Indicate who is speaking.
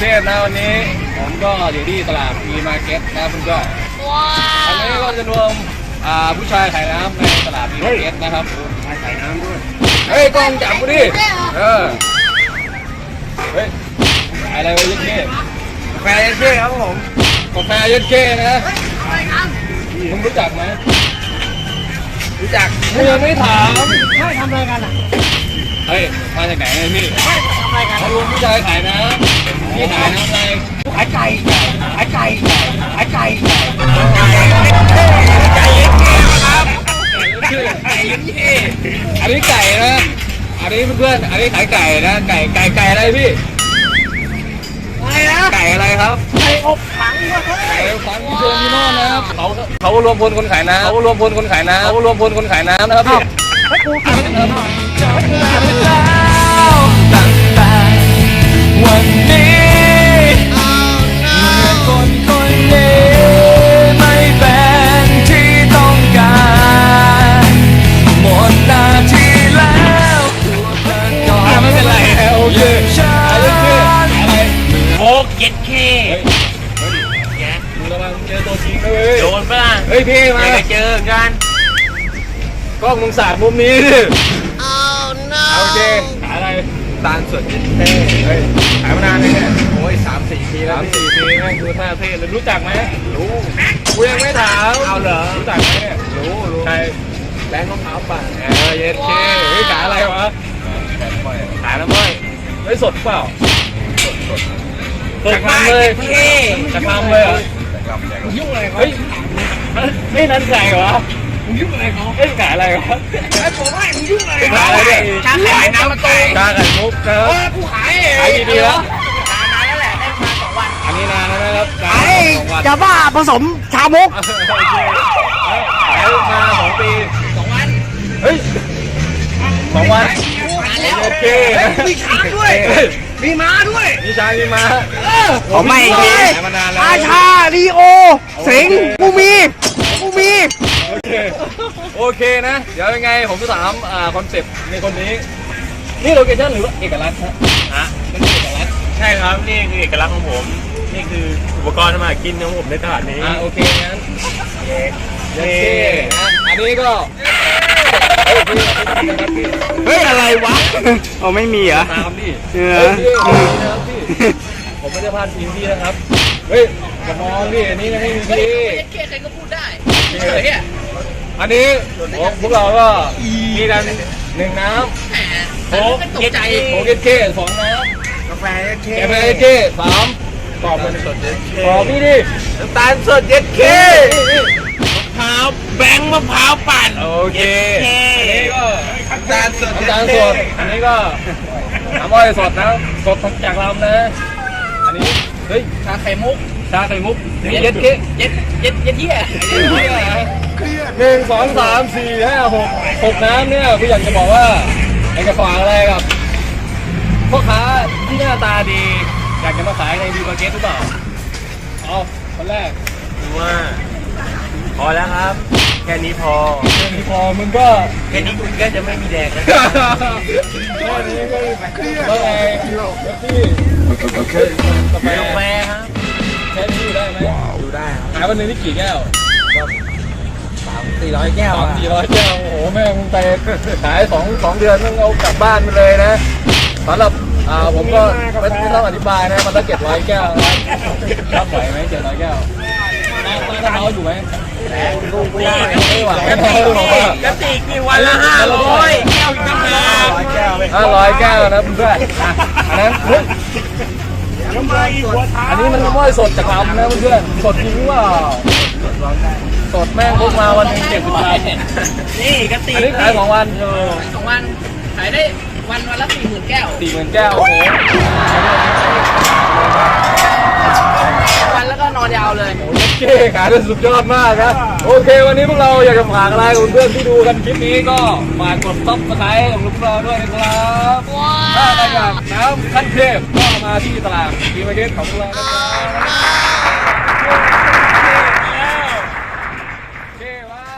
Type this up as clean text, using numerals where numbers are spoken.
Speaker 1: เทพนะวันนี้ผมก็อยู่ที่ตลาดมีมาร์เก็ตนะเพื่อนๆอันนี้ก็จะรวมผู้ชายขายน้ำในตลาดมีมาร์เก็ตนะครับขายน้ำด้วยเฮ้ยกล้องจับกูดิเฮ้ยอะไรวะยัดเก้กาแฟยัดเก้ครับผมกาแฟยัดเก้นะมึงรู้จักไหมรู้จักมึงยังไม่ถาม
Speaker 2: ไม่ทำอะไรกันอ่ะ
Speaker 1: เฮ้ยมาจากไหนเนี่ยพี่
Speaker 2: ไม่ทำอะไรกัน
Speaker 1: เขารวมผู้ชายขายน้ำพี่ขายน้ำอะไร
Speaker 2: ขายไก่ขายไก่ขายไก่
Speaker 1: ไก่ยัดเก้ครับไก่ยัดเก้อันนี้ไก่นะอันนี้เพื่อนอันนี้ขายไก่นะไก่อะไรพี่
Speaker 2: อะไรนะ
Speaker 1: ไก่อะไรครับ
Speaker 2: ไก่อบถัง
Speaker 1: ไก่ฟันเชิญพี่โน่นนะครับเขารวมพลคนขายน้ำเขารวมพลคนขายน้ำเขารวมพลคนขายน้ำนะครับพี่
Speaker 2: ให้กูกิน
Speaker 3: แล้วตั้งแต่วันนี้เมื่อคนนี้ไม่เป็นที่ต้องการหมดหน้าที่แล้ว
Speaker 1: ไม่เป็นไรโอเคอะไร
Speaker 2: โอ๊กเย็ดเค
Speaker 1: มึงระวังเจอตัวจริงนะเว้ย
Speaker 2: โดนปะล่ะ
Speaker 1: เฮ้ยพี่มา
Speaker 2: เจอกัน
Speaker 1: กล้องมึงสาดมุมนี้ดิโอเคขายอะไรตาลสดเย็นเท่เฮ้ยขายมานานเลยเนี่ยโอ้ย3-4 ปีแล้ว3-4 ปีแม่งดูท่าเท่เลยรู้จักไหมรู้กูยังไม่ถาม
Speaker 2: เอาเหรอ
Speaker 1: รู้จักไหมเนี่ยรู้ใคร
Speaker 2: แบงค์รองเท้าปั่น
Speaker 1: เย็นเท่เฮ้ยขายอะไรวะขายน้ำอ้อยเฮ้ยสดเปล่าสดจากทำเลยจากทำเลยเหรอ
Speaker 2: ยุ่งอะไรเขา
Speaker 1: เฮ้ยไม่นั่นไก่เหรอ
Speaker 2: มึงยุ่งอะไรเขา
Speaker 1: เฮ้ยขายอะไรวะ
Speaker 2: ไอ้ผมว่ามึงยุ่งอะไร
Speaker 1: ขายอะไรเนี่ย
Speaker 2: ชาขายน้ำมะตูม
Speaker 1: ชาไข่มุกนะ
Speaker 2: กูขาย
Speaker 1: กี่ปีแล้ว
Speaker 2: นานแล้วแหละได้มา2 วัน
Speaker 1: อันนี้นานแล้วนะครับ
Speaker 2: จะบ้าผสมชามุก
Speaker 1: โอเคขายมา2 ปี
Speaker 2: 2 วัน
Speaker 1: เฮ้ย2 วันโอเค
Speaker 2: มีช้างด้วยมีม้าด้วย
Speaker 1: มีช้างมีม้า
Speaker 2: ผมไม่มี
Speaker 1: มานานแล้ว
Speaker 2: อาชาลีโอสิงกูมี
Speaker 1: โอเคนะเดี๋ยวยังไงผมจะถามคอนเซ็ปต์ในคนนี้นี่โลเคชั่นหรือเอกลักษณ์ฮะมันเอกลักษณ์
Speaker 3: ใช่ครับนี่คือเอกลักษณ์ของผมนี่คืออุปกรณ์ทำมาหากินของผมในตลาดนี้
Speaker 1: โอเคงั้นเย้อันนี้ก็
Speaker 2: เฮ้ยอะไรวะอ๋อไม่มีเหรอ
Speaker 1: ตามดิผมไม่ได้พลาดทีมพี่นะครับเฮ้ยกระมองพี่อันนี้ไม่มีพี่
Speaker 2: ใครก็พูดได้
Speaker 1: อันนี้พวกเราก็มีกัน1 น้ำโค้ก
Speaker 2: ตกใจ
Speaker 1: โค้กเก้2 น้ำ
Speaker 2: กาแฟ
Speaker 1: เก้3กรอบเป็นสดเย็ดกรอบพี่ดิ
Speaker 2: น้ำตาลสดเย็ดเคมะพร้าวแบงค์มะพร้าวปั่น
Speaker 1: โอเคอันนี้ก็
Speaker 2: น้ำตาลสด
Speaker 1: อันนี้ก็น้ำอ้อยสดนะสดจากลำนะอันนี้เฮ้ย
Speaker 2: ชาไข่มุก
Speaker 1: เย็ดเก้
Speaker 2: เย็ดเยี่ย
Speaker 1: 1 2 3 4 5 6 น้ำเนี่ยพี่อยากจะบอกว่าไอ้กระฝางอะไรกับพ่อค้าที่หน้าตาดีอยากจะมาขายในดีมาร์เก็ตหรือเปล่าเอาคนแรก
Speaker 3: ว่าพอแล้วครับแค่นี้พอ
Speaker 1: มึงก็
Speaker 3: แค่นี้คุณก็จะไม่มีแดงแล้ว
Speaker 1: แค่นี้ก็ว่าไงพี่
Speaker 3: กาแฟครับ
Speaker 1: แค่นี้อยู่ได้ไหม
Speaker 3: อยู่ได้ครับ
Speaker 1: ขายวันนึงนี่กี่แก้ว
Speaker 2: 300-400 แก้ว
Speaker 1: 300-400 แก้วโอ้โหแม่มึงไปขาย2 เดือนมึงเอากลับบ้านไปเลยนะสำหรับผมก็ไม่ต้องอธิบายนะมันละ700 แก้วรับไหวไหม700 แก้วน้าอยู่ไหมไม่ไหว
Speaker 2: กระติกมีวันละ500แก้วตั้ง
Speaker 1: 500 แก้วนะเพื่อนอันนั้นอันนี้มันน้ำอ้อยสดจากลำนะเพื่อนสดจริงว่าสดแม่งพกมาวันนึง70 บาท
Speaker 2: นี่กระติก
Speaker 1: อันนี้ขาย2 วัน
Speaker 2: 2 วันขายได้วันละ40,000 แก้ว
Speaker 1: 40,000 แก้วโอ้โห
Speaker 2: วันแล้วก็นอนยาวเลย
Speaker 1: โอเคขายได้สุดยอดมากนะโอเควันนี้พวกเราอยากจะฝากอะไรกับเพื่อนที่ดูกันคลิปนี้ก็ฝากกดซับสไครต์ของพวกเราด้วยนะครับถ้าใครอยากน้ำขั้นเทพก็มาที่ตลาดดีมาร์เก็ตของพวกเรานะครับโอเคว้า